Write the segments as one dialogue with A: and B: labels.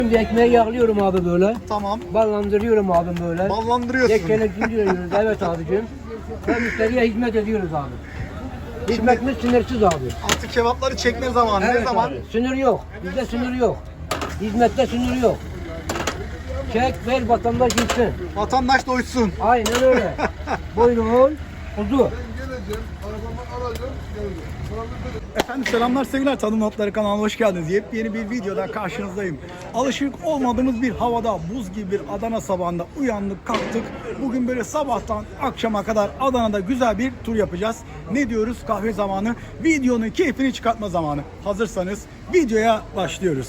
A: Şimdi ekmeği yağlıyorum abi böyle.
B: Tamam.
A: Ballandırıyorum abim böyle.
B: Ballandırıyorsun.
A: Ekmeğini diyoruz. Evet abicim. Ve müşteriye hizmet ediyoruz abi. Hizmetimiz sınırsız abi.
B: Artık kebapları çekme zamanı. Ne zaman?
A: Abi. Sınır yok. Bizde sınır yok. Hizmette sınır yok. Çek ver vatandaş gitsin.
B: Vatandaş doysun.
A: Aynen öyle. Buyurun. Kuzu.
B: Efendim selamlar sevgiler, Tadım Notları kanalına hoş geldiniz. Yepyeni bir videoda karşınızdayım. Alışık olmadığımız bir havada, buz gibi bir Adana sabahında uyandık, kalktık. Bugün böyle sabahtan akşama kadar Adana'da güzel bir tur yapacağız. Ne diyoruz? Kahve zamanı. Videonun keyfini çıkartma zamanı. Hazırsanız videoya başlıyoruz.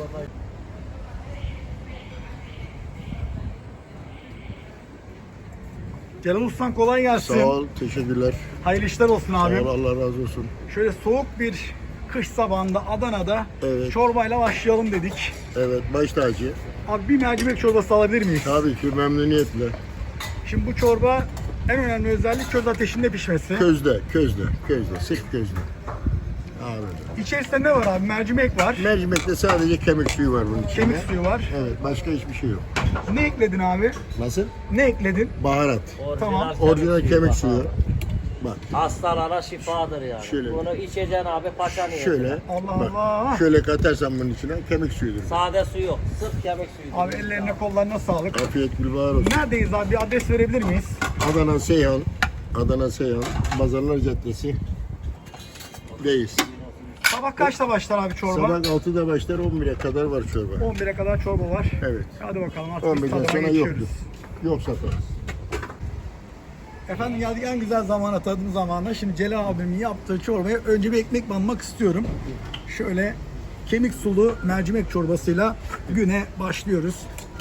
B: Celal Ustam kolay gelsin.
C: Sağ ol, teşekkürler.
B: Hayırlı işler olsun
C: Sağ
B: abi.
C: ol, Allah razı olsun.
B: Şöyle soğuk bir kış sabahında Adana'da
C: Evet.
B: çorbayla başlayalım dedik.
C: Evet, baş tacı.
B: Abi bir mercimek çorbası alabilir miyiz?
C: Tabii ki memnuniyetle.
B: Şimdi bu çorba en önemli özellik köz ateşinde pişmesi.
C: Közde, sırf közde. Abi.
B: İçerisinde ne var abi? Mercimek var,
C: Mercimekte sadece kemik suyu var bunun içinde.
B: kemik suyu var.
C: Evet, başka hiçbir şey yok.
B: Ne ekledin abi?
C: Nasıl?
B: Ne ekledin?
C: Baharat.
B: Tamam.
C: Orijinal kemik suyu. Bak,
D: Hastalara şifadır yani.
C: Şöyle.
D: Bunu içeceksin abi paça niyetine.
C: şöyle.
B: Allah
C: Bak,
B: Allah.
C: şöyle katarsan bunun içine kemik suyudur.
D: Sade su yok. Sırf kemik suyu.
B: Abi ellerine kollarına sağlık.
C: Afiyet gülbahar olsun.
B: Neredeyiz abi? Bir adres verebilir miyiz?
C: Adana Seyhan, Pazarlar Caddesi. Deyiz.
B: Sabah kaçta başlar abi çorba?
C: Sabah 6'da başlar, 11'e kadar var çorba.
B: 11'e kadar çorba var.
C: Evet.
B: Hadi bakalım artık biz
C: 11'den
B: tadıma
C: sonra
B: geçiyoruz.
C: yoktur. Yok satarız.
B: Efendim geldik en güzel zamana, tadım zamanına. Şimdi Celal abimin yaptığı çorbaya önce bir ekmek banmak istiyorum. Şöyle kemik sulu mercimek çorbasıyla güne başlıyoruz.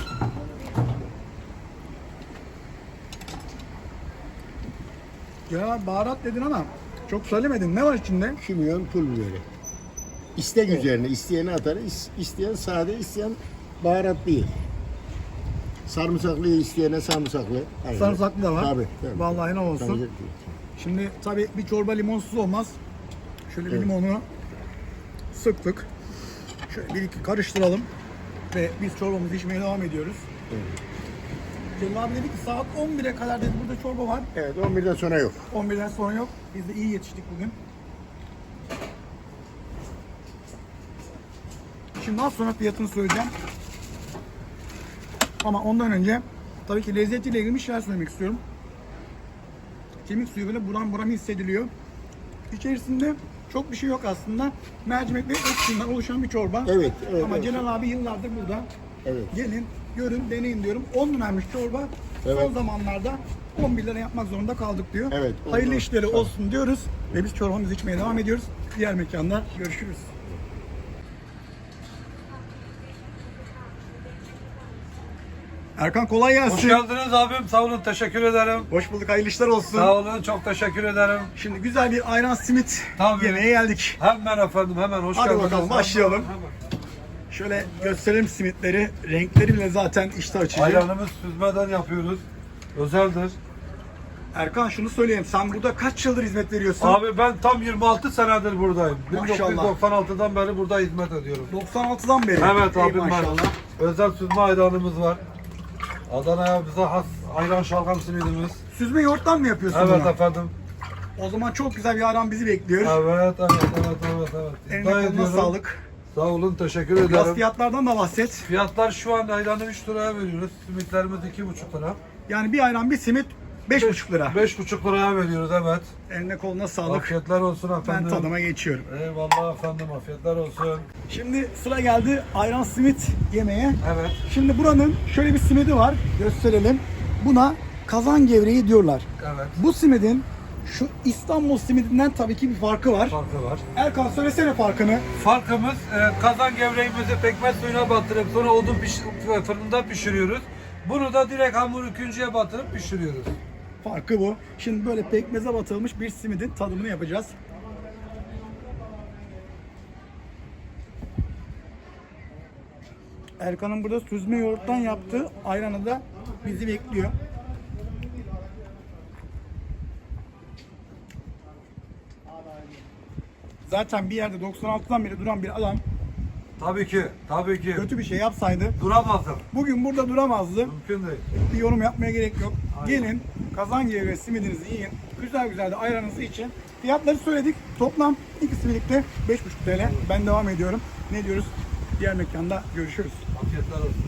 B: Ya baharat dedin ama çok söylemedin. Ne var içinde?
C: Kimyon, pul biberi. İstek üzerine, isteyeni atar, isteyen sade, isteyen baharat değil. Sarımsaklı isteyene sarımsaklı. Aynen.
B: Sarımsaklı da var.
C: Tabii.
B: Vallahi ne olsun.
C: Tabii.
B: Şimdi tabii bir çorba limonsuz olmaz. Şöyle bir
C: Evet.
B: limonu sıktık. Şöyle bir iki karıştıralım. Ve biz çorbamızı içmeye devam ediyoruz. Celal abi dedi ki saat 11'e kadar dedi burada çorba var.
C: Evet, 11'den sonra yok.
B: 11'den sonra yok. Biz de iyi yetiştik bugün. Şimdi az sonra fiyatını söyleyeceğim. Ama ondan önce tabii ki lezzetiyle ilgili bir şeyler söylemek istiyorum. Kemik suyu böyle buram buram hissediliyor. İçerisinde çok bir şey yok aslında. Mercimek ve et suyundan oluşan bir çorba.
C: Evet, evet.
B: Ama
C: evet.
B: Celal abi yıllardır burada.
C: Evet.
B: Gelin, görün, deneyin diyorum. 10 liraymış çorba. Son
C: Evet.
B: zamanlarda 11 lira yapmak zorunda kaldık diyor.
C: Evet,
B: Hayırlı
C: oldu.
B: işleri
C: Sağ ol.
B: olsun diyoruz. Ve biz çorbamızı içmeye devam ediyoruz. Diğer mekanda görüşürüz. Erkan kolay gelsin.
E: Hoş geldiniz abim. Sağ olun. Teşekkür ederim.
B: Hoş bulduk. Hayırlı işler olsun.
E: Sağ olun. Çok teşekkür ederim.
B: Şimdi güzel bir ayran simit
E: Tabii.
B: yemeğe geldik.
E: Hemen efendim. Hemen hoş
B: Hadi
E: geldiniz.
B: bakalım, başlayalım.
E: Hemen.
B: Şöyle gösterelim simitleri. Renkleri bile zaten iştah açıcı.
E: Ayranımız süzmeden yapıyoruz. Özeldir.
B: Erkan şunu söyleyeyim. Sen burada kaç yıldır hizmet veriyorsun?
E: Abi ben tam 26 senedir buradayım.
B: Maşallah.
E: 1996'dan beri burada hizmet ediyorum.
B: 96'dan beri.
E: Evet
B: Ey
E: abim ben.
B: maşallah.
E: Özel süzme ayranımız var. Adana'ya bize has ayran şalgam simidimiz.
B: Süzme yoğurttan mı yapıyorsun
E: Evet
B: bunu?
E: efendim.
B: O zaman çok güzel bir ayran bizi bekliyor.
E: Evet.
B: Eline
E: İddia
B: koluna
E: ediyorum.
B: sağlık.
E: Sağ olun. Teşekkür
B: Biraz
E: ederim.
B: fiyatlardan da bahset.
E: Fiyatlar şu an ayranı 3 liraya veriyoruz. Simitlerimiz 2,5 lira.
B: Yani bir ayran bir simit 5,5 lira.
E: 5,5 liraya veriyoruz evet.
B: Eline koluna sağlık.
E: Afiyetler olsun
B: Ben
E: efendim.
B: tadıma geçiyorum.
E: Eyvallah efendim, afiyetler olsun.
B: Şimdi sıra geldi ayran simit yemeye.
E: Evet.
B: Şimdi buranın şöyle bir simidi var. Gösterelim. Buna kazan gevreği diyorlar.
E: Evet.
B: Bu simidin şu İstanbul simidinden tabii ki bir farkı var.
E: Farkı var.
B: Erkan söylesene farkını.
E: Farkımız kazan gevreğimizi pekmez suyuna batırıp sonra fırında pişiriyoruz. Bunu da direkt hamur küncüye batırıp pişiriyoruz.
B: Farkı bu. Şimdi böyle pekmeze batılmış bir simidin tadımını yapacağız. Erkan'ın burada süzme yoğurttan yaptığı ayranı da bizi bekliyor. Zaten bir yerde 96'dan beri duran bir adam
E: Tabii ki, tabii ki.
B: kötü bir şey yapsaydı
E: Duramazdım.
B: bugün burada duramazdı.
E: Mümkün değil.
B: Bir yorum yapmaya gerek yok.
E: Aynen.
B: Gelin Kazangevrek simidinizi yiyin. Güzel güzel de ayranınızı için. Fiyatları söyledik. Toplam ikisi birlikte 5,5 TL. Ben devam ediyorum. Ne diyoruz? Diğer mekanda görüşürüz.
E: Afiyetler olsun.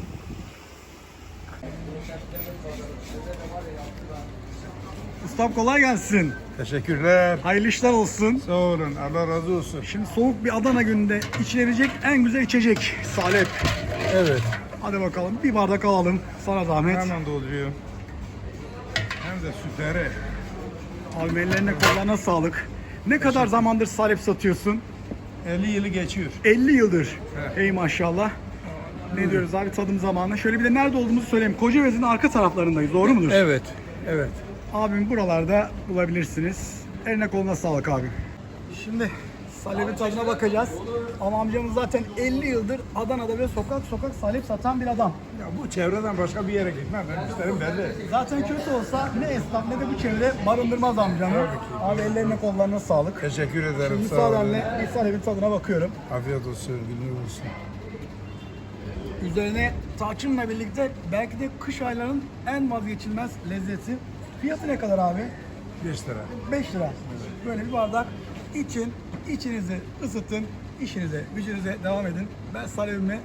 B: Ustam kolay gelsin.
F: Teşekkürler.
B: Hayırlı işler olsun.
F: Sağ olun. Allah razı olsun.
B: Şimdi soğuk bir Adana gününde içilebilecek en güzel içecek. Salep.
F: Evet.
B: Hadi bakalım bir bardak alalım. Sana zahmet.
F: Hemen dolduruyorum. Hem de süperi.
B: Abi ellerine kollarına sağlık. Ne kadar zamandır salep satıyorsun?
F: 50 yılı geçiyor.
B: 50 yıldır.
F: Evet.
B: Ey maşallah. Ne diyoruz abi tadım zamanı. Şöyle bir de nerede olduğumuzu söyleyeyim. Kocaeli'nin arka taraflarındayız. Doğru mudur?
F: Evet. Evet.
B: Abim buralarda bulabilirsiniz. Eline koluna sağlık abi. Şimdi salebin tadına bakacağız. Ama amcamız zaten 50 yıldır Adana'da ve sokak sokak salep satan bir adam.
F: Ya bu çevreden başka bir yere gitmem. Ben isterim belli.
B: Zaten kötü olsa ne esnaf ne de bu çevre barındırmaz amcamı.
F: Tabii ki.
B: Abi ellerine kollarına sağlık.
F: Teşekkür ederim.
B: Şimdi
F: Sağ olun.
B: müsaadenle bir salebin tadına bakıyorum.
F: Afiyet olsun. Günler olsun.
B: Üzerine tarçınla birlikte belki de kış aylarının en vazgeçilmez lezzeti. Fiyatı ne kadar abi?
F: 5 lira.
B: 5 lira. Böyle bir bardak için, içinizi ısıtın, işinize, gücünüze devam edin. Ben salebimi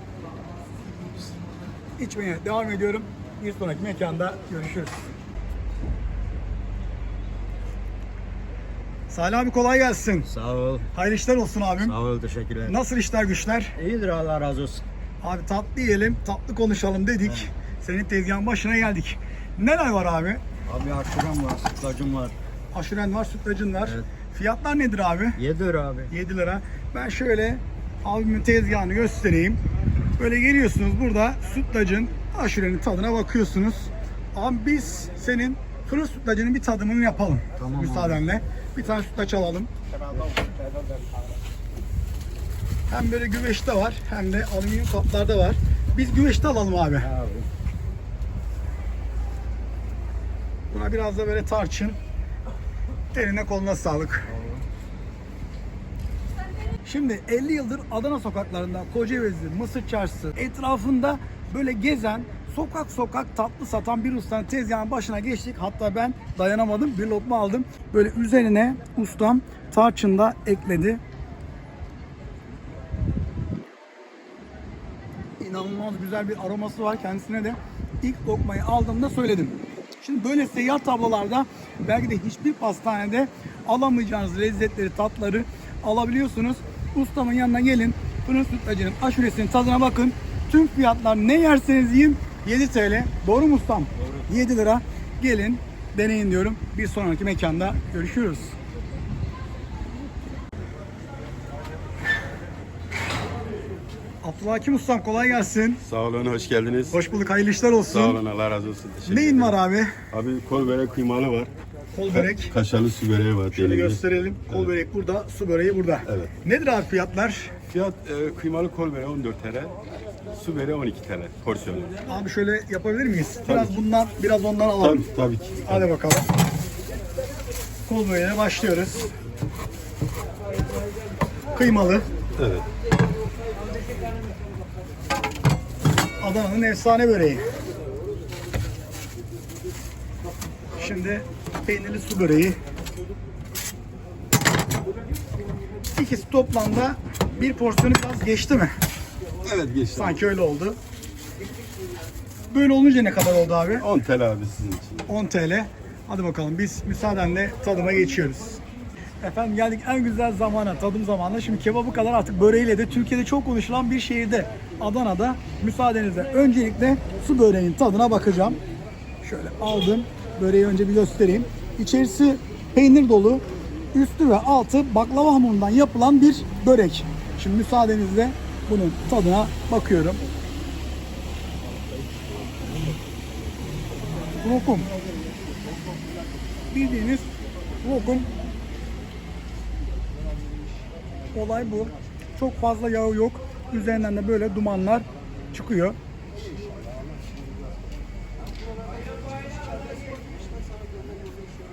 B: içmeye devam ediyorum. Bir sonraki mekanda görüşürüz. Salih abi kolay gelsin.
G: Sağ ol.
B: Hayırlı işler olsun abim.
G: Sağ ol. Teşekkürler.
B: Nasıl işler güçler?
G: İyidir, Allah razı olsun.
B: Abi tatlı yiyelim, tatlı konuşalım dedik. Senin tezgahın başına geldik. Neler var abi?
G: Abi aşuram var, sütlacım var.
B: Aşuren var, sütlacın var.
G: Evet.
B: Fiyatlar nedir abi?
G: 7 lira abi.
B: 7 lira. Ben şöyle abimin tezgahını göstereyim. Böyle geliyorsunuz burada sütlacın, aşurenin tadına bakıyorsunuz. Abi biz senin fırın sütlacının bir tadımını yapalım.
G: Tamam
B: müsaadenle. Bir tane sütlaç alalım. Hem böyle güveçte var hem de alüminyum kaplarda var. Biz güveçte alalım abi.
G: Abi.
B: Buna biraz da böyle tarçın. Eline koluna sağlık. Şimdi 50 yıldır Adana sokaklarında Kocaeli, Mısır Çarşısı etrafında böyle gezen, sokak sokak tatlı satan bir ustanın tezgahının başına geçtik. Hatta ben dayanamadım, bir lokma aldım. Böyle üzerine ustam tarçın da ekledi. İnanılmaz güzel bir aroması var. Kendisine de ilk lokmayı aldığımda söyledim. Şimdi böyle seyyar tablolarda belki de hiçbir pastanede alamayacağınız lezzetleri, tatları alabiliyorsunuz. Ustamın yanına gelin. Fırın sütlacının aşuresinin tadına bakın. Tüm fiyatlar ne yerseniz yiyin 7 TL. Doğru mu ustam? Doğru. 7 lira. Gelin deneyin diyorum. Bir sonraki mekanda görüşürüz. Abdülhakim ustam kolay gelsin.
H: Sağ olun, hoş geldiniz.
B: Hoş bulduk. Hayırlı işler olsun.
H: Sağ olun, Allah razı olsun. Teşekkür
B: Neyin
H: ederim.
B: var abi?
H: Abi kol börek kıymalı var.
B: Kol börek.
H: Kaşarlı su böreği var.
B: Şöyle
H: deneyim.
B: gösterelim. Kol börek burada, su böreği burada.
H: Evet.
B: Nedir abi fiyatlar?
H: Fiyat kıymalı kol böreği 14 TL. Su böreği 12 TL porsiyonu.
B: Abi şöyle yapabilir miyiz? Biraz
H: ki.
B: bundan, biraz ondan alalım.
H: Tabii ki.
B: Hadi bakalım. Kol böreğine başlıyoruz. Kıymalı.
H: Evet.
B: Adana'nın efsane böreği. Şimdi peynirli su böreği. İkisi toplamda bir porsiyonu biraz geçti mi?
H: Evet geçti.
B: Sanki öyle oldu. Böyle olunca ne kadar oldu abi?
H: 10 TL abi sizin için.
B: 10 TL. Hadi bakalım biz müsaadenle tadıma geçiyoruz. Efendim geldik en güzel zamana, tadım zamanına. Şimdi kebabı kadar artık böreğiyle de Türkiye'de çok konuşulan bir şehirde, Adana'da. Müsaadenizle öncelikle su böreğinin tadına bakacağım. Şöyle aldım. Böreği önce bir göstereyim. İçerisi peynir dolu, üstü ve altı baklava hamurundan yapılan bir börek. Şimdi müsaadenizle bunun tadına bakıyorum. Lokum. Bildiğiniz lokum. Olay bu. Çok fazla yağı yok. Üzerinden de böyle dumanlar çıkıyor.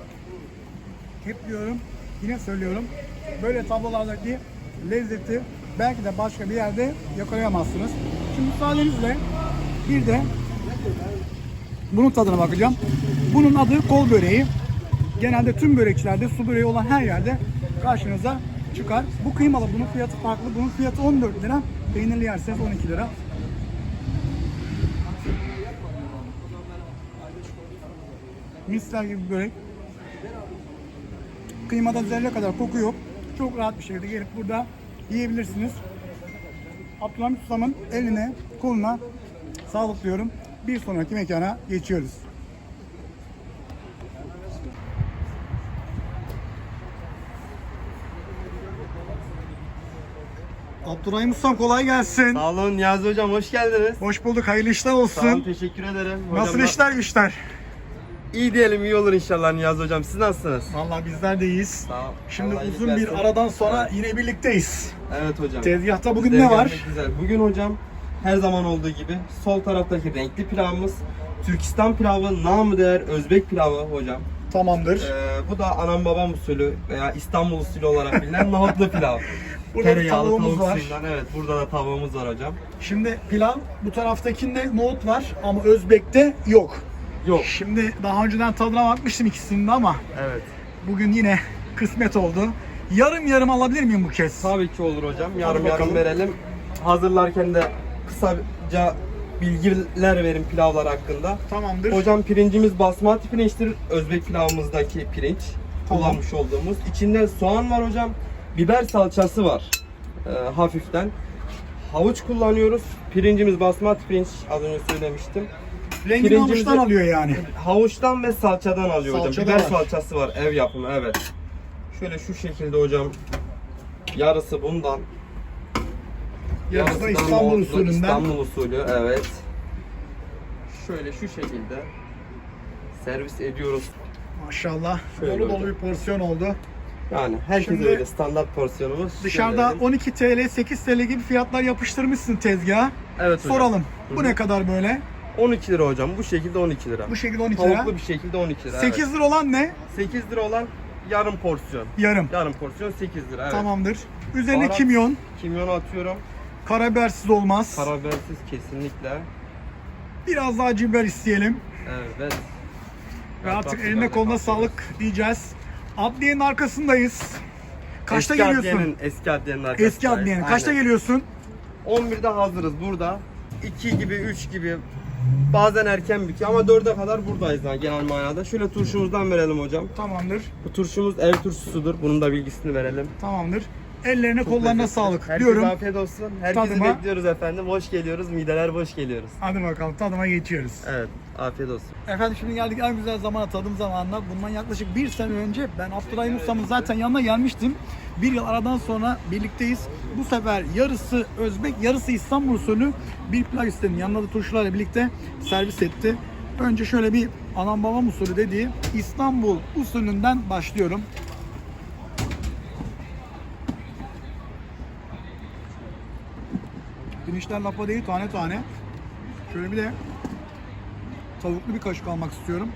B: Hep diyorum, yine söylüyorum. Böyle tablolardaki lezzeti belki de başka bir yerde yakalayamazsınız. Şimdi müsaadenizle bir de bunun tadına bakacağım. Bunun adı kol böreği. Genelde tüm börekçilerde, su böreği olan her yerde karşınıza çıkar. Bu kıymalı, bunun fiyatı farklı. Bunun fiyatı 14 lira. Peynirli yerseniz 12 lira. Misler gibi bir börek. Kıymada zerre kadar koku yok. Çok rahat bir şekilde gelip burada yiyebilirsiniz. Abdülhamit Ustam'ın eline, koluna sağlık diyorum. Bir sonraki mekana geçiyoruz. Abdurrahim Ustam kolay gelsin.
I: Sağ olun Niyazi Hocam, hoş geldiniz.
B: Hoş bulduk, hayırlı işler
I: Sağ olun,
B: olsun.
I: teşekkür ederim.
B: Nasıl
I: Hocam,
B: işler güçler?
I: İyi diyelim, iyi olur inşallah Niyazi Hocam. Siz nasılsınız?
B: Vallahi bizler de iyiyiz.
I: Sağ ol.
B: Şimdi
I: Allah iyilik
B: uzun bir
I: versin.
B: aradan sonra yine birlikteyiz.
I: Evet hocam.
B: Tezgahta bugün
I: Sizleri
B: ne var?
I: görmek güzel. Bugün hocam her zaman olduğu gibi sol taraftaki renkli pilavımız Türkistan pilavı, namı değer Özbek pilavı hocam.
B: Tamamdır.
I: Bu da anam babam usulü veya İstanbul usulü olarak bilinen nohutlu pilav.
B: Burada da
I: Tereyağlı
B: tavuğumuz
I: tavuk
B: var.
I: suyundan. Evet, burada da tavuğumuz var hocam.
B: Şimdi pilav, bu taraftakinde nohut var ama Özbek'te yok.
I: Yok.
B: Şimdi daha önceden tadına bakmıştım ikisinin de ama
I: Evet.
B: bugün yine kısmet oldu. Yarım yarım alabilir miyim bu kez?
I: Tabii ki olur hocam.
B: Hadi
I: Yarım
B: bakalım.
I: yarım verelim. Hazırlarken de kısaca bilgiler verin pilavlar hakkında.
B: Tamamdır.
I: Hocam pirincimiz basmati pirinçtir. Özbek pilavımızdaki pirinç.
B: Tamam.
I: Kullanmış olduğumuz. İçinde soğan var hocam. Biber salçası var. Hafiften. Havuç kullanıyoruz. Pirincimiz basmati pirinç. Az önce söylemiştim.
B: Rengini
I: pirincimizi-
B: havuçtan alıyor yani.
I: Havuçtan ve salçadan alıyor hocam.
B: Salçada
I: Biber
B: var.
I: salçası var. Ev yapımı, evet. Şöyle şu şekilde hocam. Yarısı bundan.
B: Yarısı da
I: Yarısı
B: İstanbul
I: nohutlu,
B: usulünden.
I: İstanbul usulü, evet. Şöyle şu şekilde servis ediyoruz.
B: Maşallah.
I: Şöyle
B: Dolu dolu
I: hocam.
B: bir porsiyon oldu.
I: Yani herkes
B: Şimdi
I: öyle standart porsiyonumuz.
B: Dışarıda
I: Şöyle.
B: 12 TL, 8 TL gibi fiyatlar yapıştırmışsın tezgaha.
I: Evet hocam.
B: Soralım. Bu
I: Hı
B: ne
I: hı.
B: kadar böyle?
I: 12 lira hocam. Bu şekilde 12 lira.
B: Bu şekilde 12 lira.
I: Tavuklu bir şekilde 12 lira.
B: 8 lira olan ne?
I: Evet. 8 lira olan yarım porsiyon.
B: Yarım.
I: Yarım porsiyon 8 lira. Evet.
B: Tamamdır. Üzerine
I: Baharat.
B: kimyon,
I: Kimyonu atıyorum.
B: karabibersiz olmaz.
I: Karabibersiz kesinlikle.
B: Biraz daha acı biber isteyelim.
I: Evet.
B: Ve artık
I: Yaprak
B: eline
I: biberle
B: koluna
I: kapatıyoruz.
B: sağlık diyeceğiz. Adliyenin arkasındayız. Kaçta
I: Eski
B: geliyorsun?
I: Eski adliyenin arkasındayız.
B: Eski adliyenin. Kaçta
I: Aynen.
B: geliyorsun?
I: 11'de hazırız burada. 2 gibi, 3 gibi. Bazen erken bitiyor ama 4'e kadar buradayız yani genel manada. Şöyle turşumuzdan verelim hocam.
B: Tamamdır.
I: Bu turşumuz ev turşusudur. Bunun da bilgisini verelim.
B: Tamamdır. Ellerine
I: Çok
B: kollarına
I: lezzetli.
B: sağlık
I: Herkese
B: diyorum.
I: afiyet olsun. Herkesi
B: Tadıma.
I: bekliyoruz efendim. Hoş geliyoruz. Mideler boş geliyoruz.
B: Hadi bakalım tadıma geçiyoruz.
I: Evet. Afiyet olsun.
B: Efendim şimdi geldik en güzel zamana, tadım zamanına. Bundan yaklaşık bir sene önce ben Abdurrahim Usta'mın zaten yanına gelmiştim. Bir yıl aradan sonra birlikteyiz. Bu sefer yarısı Özbek, yarısı İstanbul usulü bir pilav istedim. Yanında da turşularla birlikte servis etti. Önce şöyle bir anam babam usulü dediği İstanbul usulünden başlıyorum. Pirinçler lapa değil, tane tane. Şöyle bir de tavuklu bir kaşık almak istiyorum.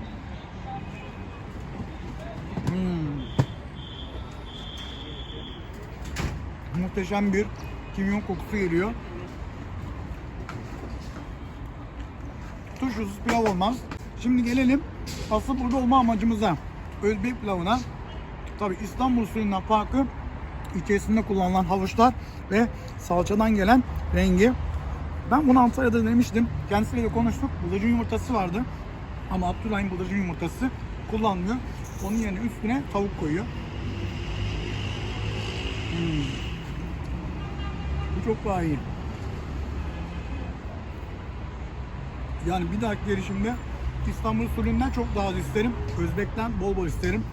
B: Muhteşem bir kimyon kokusu geliyor. Turşusuz pilav olmaz. Şimdi gelelim asıl burada olma amacımıza. Özbek pilavına. Tabi İstanbul usulünden farkı içerisinde kullanılan havuçlar ve salçadan gelen rengi. Ben bunu Antalya'da denemiştim. Kendisiyle de konuştuk. Bıldırcın yumurtası vardı. Ama Abdurrahim bıldırcın yumurtası kullanmıyor. Onun yerine üstüne tavuk koyuyor. Bu çok daha iyi. Yani bir dahaki gelişimde İstanbul usulünden çok daha az isterim. Özbek'ten bol bol isterim.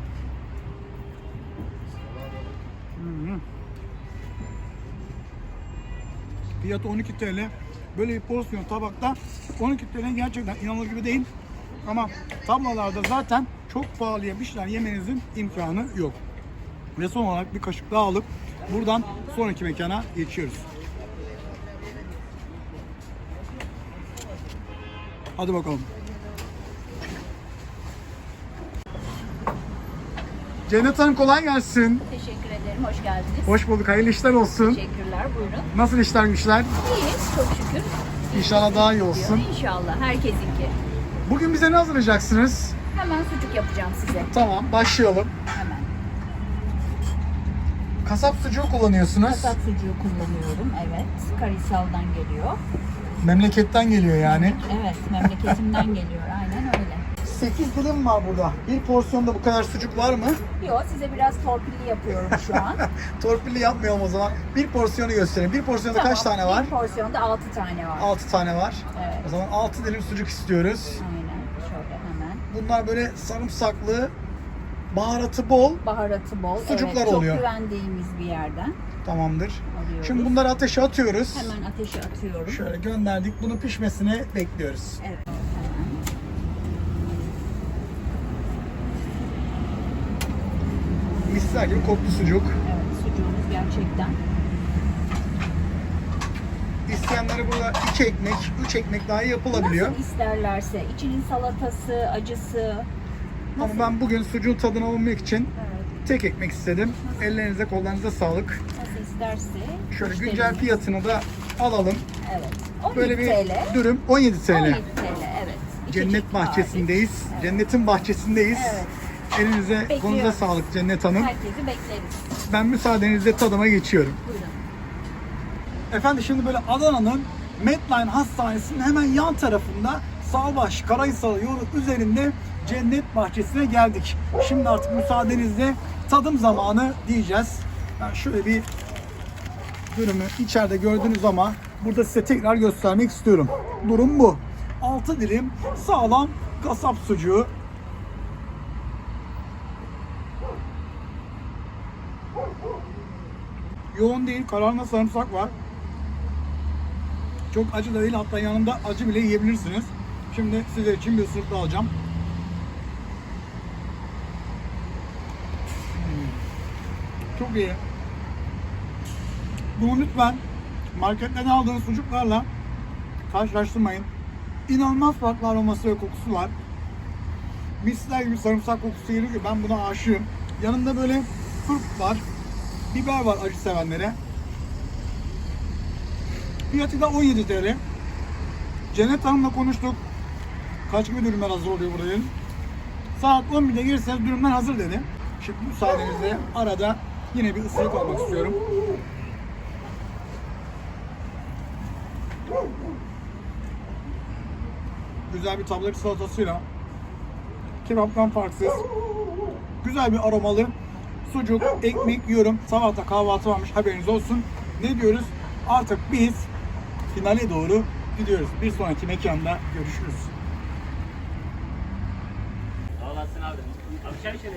B: Fiyatı 12 TL. Böyle bir porsiyon tabakta 12 TL gerçekten inanılır gibi değil. Ama tablalarda zaten çok pahalıya bir şeyler yemenizin imkanı yok. Ve son olarak bir kaşık daha alıp buradan sonraki mekana geçiyoruz. Hadi bakalım. Cennet Hanım kolay gelsin.
J: Teşekkür ederim. ederim. Hoş geldiniz.
B: Hoş bulduk. Hayırlı işler olsun.
J: Teşekkürler. Buyurun.
B: Nasıl işler güçler?
J: İyiyiz. Çok şükür.
B: İnşallah daha iyi olsun.
J: İnşallah. Herkesinki.
B: Bugün bize ne hazırlayacaksınız?
J: Hemen sucuk yapacağım size.
B: Tamam, başlayalım.
J: Hemen.
B: Kasap sucuğu kullanıyorsunuz.
J: Kasap sucuğu kullanıyorum. Evet. Karahisal'dan geliyor.
B: Memleketten geliyor yani.
J: Evet. Memleketimden geliyor. Aynen öyle.
B: 8 dilim var burada. Bir porsiyonda bu kadar sucuk var mı?
J: Yok, size biraz torpilli yapıyorum şu an.
B: Torpilli yapmayalım o zaman. Bir porsiyonu göstereyim. Bir porsiyonda kaç tane var?
J: Bir porsiyonda 6 tane var.
B: 6 tane var.
J: Evet.
B: O zaman 6 dilim sucuk istiyoruz.
J: Aynen. Şöyle hemen.
B: Bunlar böyle sarımsaklı, baharatı bol.
J: Baharatı bol.
B: Sucuklar
J: evet,
B: oluyor.
J: Çok güvendiğimiz bir yerden
B: Tamamdır.
J: alıyoruz.
B: Şimdi bunları ateşe atıyoruz.
J: Hemen ateşe atıyorum.
B: Şöyle gönderdik. Bunu pişmesini bekliyoruz.
J: Evet.
B: Misler gibi koktu sucuk.
J: Evet, sucuğumuz gerçekten.
B: İsteyenlere burada 2 ekmek, 3 ekmek daha yapılabiliyor.
J: Nasıl isterlerse. İçinin salatası, acısı.
B: Ama ben bugün sucuğun tadını almak için
J: Evet,
B: tek ekmek istedim. Ellerinize kollarınıza sağlık.
J: nasıl isterse.
B: Şöyle
J: müşterimiz-
B: güncel fiyatını da alalım.
J: Evet. 17
B: Böyle bir
J: TL.
B: dürüm 17 TL.
J: 17 TL, evet. İki
B: Cennet
J: çeşit
B: bahçesindeyiz.
J: hariç.
B: Cennetin bahçesindeyiz.
J: Evet.
B: Elinize,
J: Bekliyoruz.
B: kolunuza sağlık Cennet Hanım.
J: Herkesi bekleriz.
B: Ben müsaadenizle tadıma geçiyorum.
J: Buyurun.
B: Efendim şimdi böyle Adana'nın Medline Hastanesi'nin hemen yan tarafında Salbaş Karahisar yolu üzerinde Cennet Bahçesi'ne geldik. Şimdi artık müsaadenizle tadım zamanı diyeceğiz. Ben şöyle bir dürümü içeride gördünüz ama burada size tekrar göstermek istiyorum. Durum bu. 6 dilim sağlam kasap sucuğu. Yoğun değil, kararına sarımsak var. Çok acı da değil, hatta yanında acı bile yiyebilirsiniz. Şimdi sizler için bir ısırık daha alacağım. Çok iyi. Bunu lütfen marketlerden aldığınız sucuklarla karşılaştırmayın. İnanılmaz farklı aroması ve kokusu var. Misler gibi sarımsak kokusu geliyor ki ben buna aşığım. Yanında böyle turp var, biber var acı sevenlere. Fiyatı da 17 TL. Cennet Hanım'la konuştuk. Kaç gibi dürümler hazır oluyor burada dedim. Saat 11'de gelirseniz dürümler hazır dedi. Şimdi müsaadenizle arada yine bir ısırık almak istiyorum. Güzel bir tablet salatasıyla kebaptan farksız güzel bir aromalı sucuk, ekmek yiyorum. Sabahta kahvaltı varmış, haberiniz olsun. Ne diyoruz? Artık biz finale doğru gidiyoruz. Bir sonraki mekanda görüşürüz.
D: Sağ olasın abi. Abi çay içelim.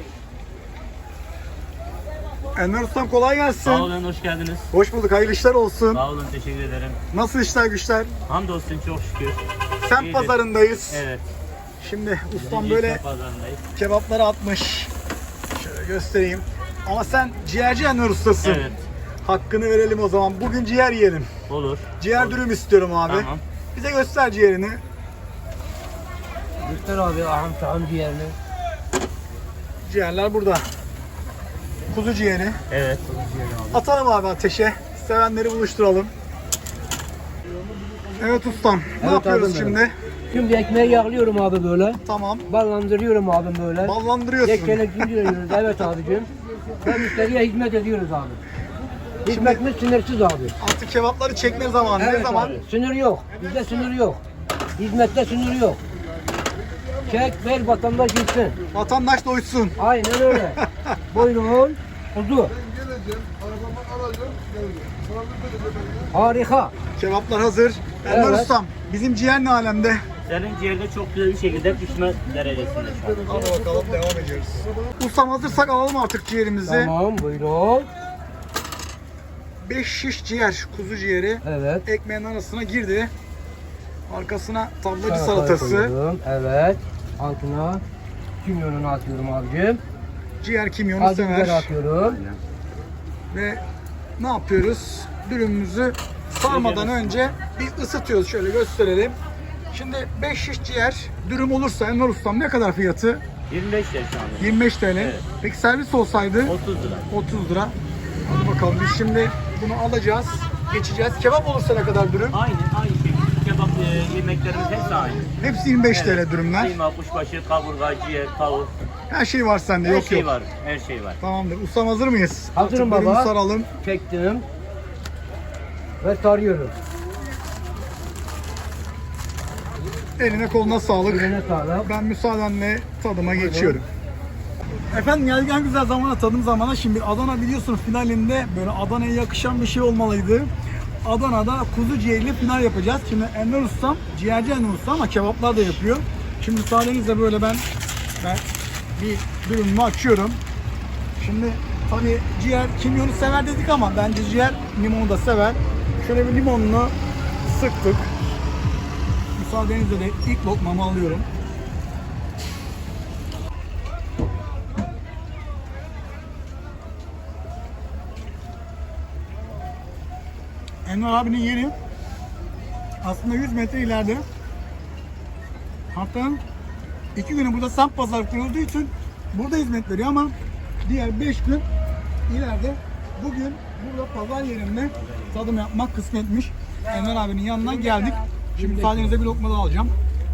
B: Enver Ustam kolay gelsin.
D: Sağ olun, hoş geldiniz.
B: Hoş bulduk, hayırlı işler olsun.
D: Sağ olun, teşekkür ederim.
B: Nasıl işler güçler?
D: Hamdolsun, çok şükür.
B: Semt
D: İyidir.
B: pazarındayız.
D: Evet.
B: Şimdi ustam
D: Birinci
B: böyle
D: esnaf pazarındayız.
B: kebapları atmış. Şöyle göstereyim. Ama sen ciğerci Enver Ustasın.
D: Evet.
B: Hakkını verelim o zaman. Bugün ciğer yiyelim.
D: Olur.
B: Ciğer
D: Olur.
B: dürüm istiyorum abi.
D: Tamam.
B: Bize göster ciğerini.
A: Göster abi aham şahım ciğerini.
B: Ciğerler burada. Kuzu ciğeri.
D: Evet.
B: Atalım abi ateşe. Sevenleri buluşturalım. Evet ustam. Ne
A: Evet
B: yapıyoruz
A: abim
B: şimdi?
A: Şimdi ekmeği yağlıyorum abi böyle.
B: Tamam.
A: Ballandırıyorum abi böyle.
B: Ballandırıyorsun.
A: Yekelekliyoruz. Evet abicim. Ve müşteriye hizmet ediyoruz abi. Hizmetimiz sınırsız abi.
B: Artık kebapları çekme zamanı.
A: Evet
B: Ne zaman?
A: abi. Sınır yok. Bizde sınır yok. Hizmette sınır yok. Çek ver vatandaş gitsin.
B: Vatandaş doysun.
A: Aynen öyle. Buyurun. Kuzu. Harika.
B: Kebaplar hazır. Enver
A: Evet.
B: ustam. Bizim ciğer ne alemde?
D: Senin ciğerde çok güzel bir şekilde pişme derecesinde şu an.
B: Hadi bakalım devam ediyoruz. Ustam hazırsak alalım artık ciğerimizi.
A: Tamam buyurun.
B: 5 şiş ciğer, kuzu ciğeri
A: Evet.
B: ekmeğin arasına girdi. Arkasına tablacı
A: Salatayı
B: salatası.
A: koydum. Evet. Altına kimyonunu atıyorum abicim.
B: Ciğer kimyonu
A: Acı biber
B: sever.
A: atıyorum.
B: Ve ne yapıyoruz? Dürümümüzü sarmadan önce bir ısıtıyoruz. Şöyle gösterelim. Şimdi 5 şiş ciğer dürüm olursa Enver ustam ne kadar fiyatı?
D: 25 lira şu anda.
B: 25 TL.
D: Evet.
B: Peki servis olsaydı
D: 30 lira.
B: 30 lira. bakalım. Biz şimdi bunu alacağız, geçeceğiz. Kebap olursa ne kadar dürüm?
D: Aynı şekilde kebap yemeklerimiz hepsi aynı.
B: Hepsi 25 TL dürümler.
D: Kıyma, kuşbaşı, kaburga, ciğer, tavuk.
B: Her şey var sende,
D: Her
B: yok
D: şey
B: yok.
D: var. Her şey var.
B: Tamamdır. Ustam hazır mıyız?
A: Hazırım
B: Artık
A: baba.
B: dürümü saralım.
A: Çektim. Ve sarıyorum.
B: Eline koluna sağlık.
A: Eline sağlık.
B: Ben müsaadenle tadıma geçiyorum. Efendim geldik en güzel zamana, tadım zamana. Şimdi Adana biliyorsunuz finalinde böyle Adana'ya yakışan bir şey olmalıydı. Adana'da kuzu ciğerli final yapacağız. Şimdi Enver Ustam, ciğerci Enver Ustam ama kebaplar da yapıyor. Şimdi müsaadenizle böyle ben bir dürümümü açıyorum. Şimdi tabii ciğer kimyonu sever dedik ama bence ciğer limonu da sever. Şöyle bir limonunu sıktık. Müsaadenizle de ilk lokmamı alıyorum. Enver abinin yeri aslında 100 metre ileride. Haftanın 2 günü burada semt pazar kurulduğu için burada hizmet veriyor ama diğer 5 gün ileride. Bugün burada pazar yerinde tadım yapmak kısmetmiş. Enver abinin yanına geldik. Şimdi müsaadenizle bir lokma da alacağım.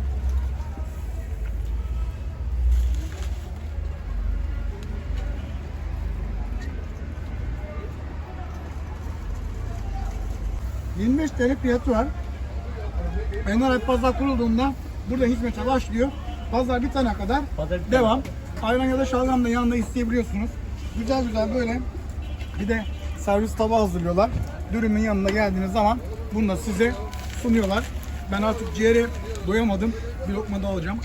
B: ...25 TL fiyatı var. Enver abi pazar kurulduğunda burada hizmete başlıyor. Pazar bitene kadar devam. Ayran ya da şalgam da yanında isteyebiliyorsunuz. Güzel güzel böyle bir de servis tabağı hazırlıyorlar. Dürümün yanına geldiğiniz zaman bunu da size sunuyorlar. Ben artık ciğere doyamadım. Bir lokma da alacağım.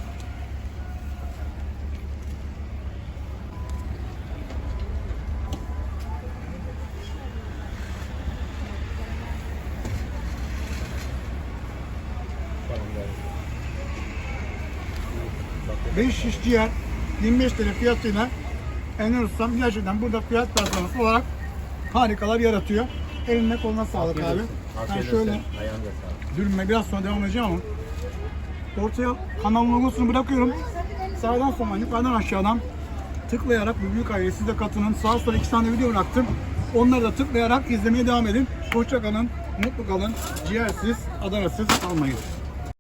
B: Beş şiş ciğer 25 TL fiyatıyla Enver Ustam gerçekten burada fiyat performansı olarak harikalar yaratıyor. Eline koluna sağlık abi. Ben şöyle dürüme biraz sonra devam edeceğim ama ortaya kanalın logosunu bırakıyorum. Sağdan soldan yukarıdan aşağıdan tıklayarak bu büyük aileye siz de katılın. Sağa sola 2 tane video bıraktım. Onları da tıklayarak izlemeye devam edin. Hoşça kalın, mutlu kalın. Ciğersiz, Adana'sız kalmayın.